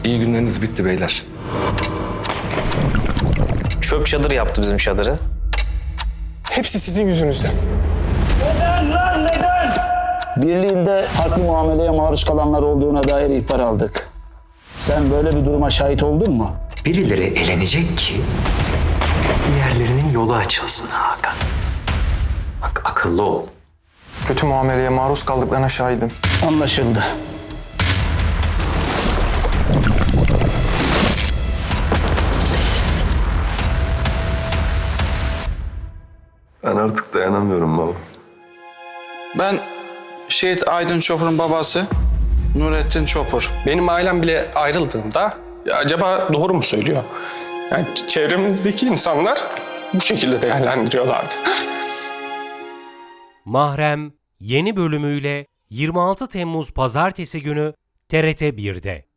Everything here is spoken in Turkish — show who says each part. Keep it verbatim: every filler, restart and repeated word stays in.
Speaker 1: İyi günleriniz bitti beyler.
Speaker 2: Çöp çadır yaptı bizim çadırı.
Speaker 3: Hepsi sizin yüzünüzden.
Speaker 4: Birliğinde farklı muameleye maruz kalanlar olduğuna dair ihbar aldık. Sen böyle bir duruma şahit oldun mu?
Speaker 5: Birileri elenecek ki diğerlerinin yolu açılsın Hakan. Bak akıllı ol.
Speaker 3: Kötü muameleye maruz kaldıklarına şahidim.
Speaker 4: Anlaşıldı.
Speaker 6: Ben artık dayanamıyorum baba.
Speaker 7: Ben Şehit Aydın Çopur'un babası Nurettin Çopur.
Speaker 8: Benim ailem bile ayrıldığında ya acaba doğru mu söylüyor? Yani çevremizdeki insanlar bu şekilde değerlendiriyorlardı.
Speaker 9: Mahrem yeni bölümüyle yirmi altı Temmuz Pazartesi günü T R T bir'de.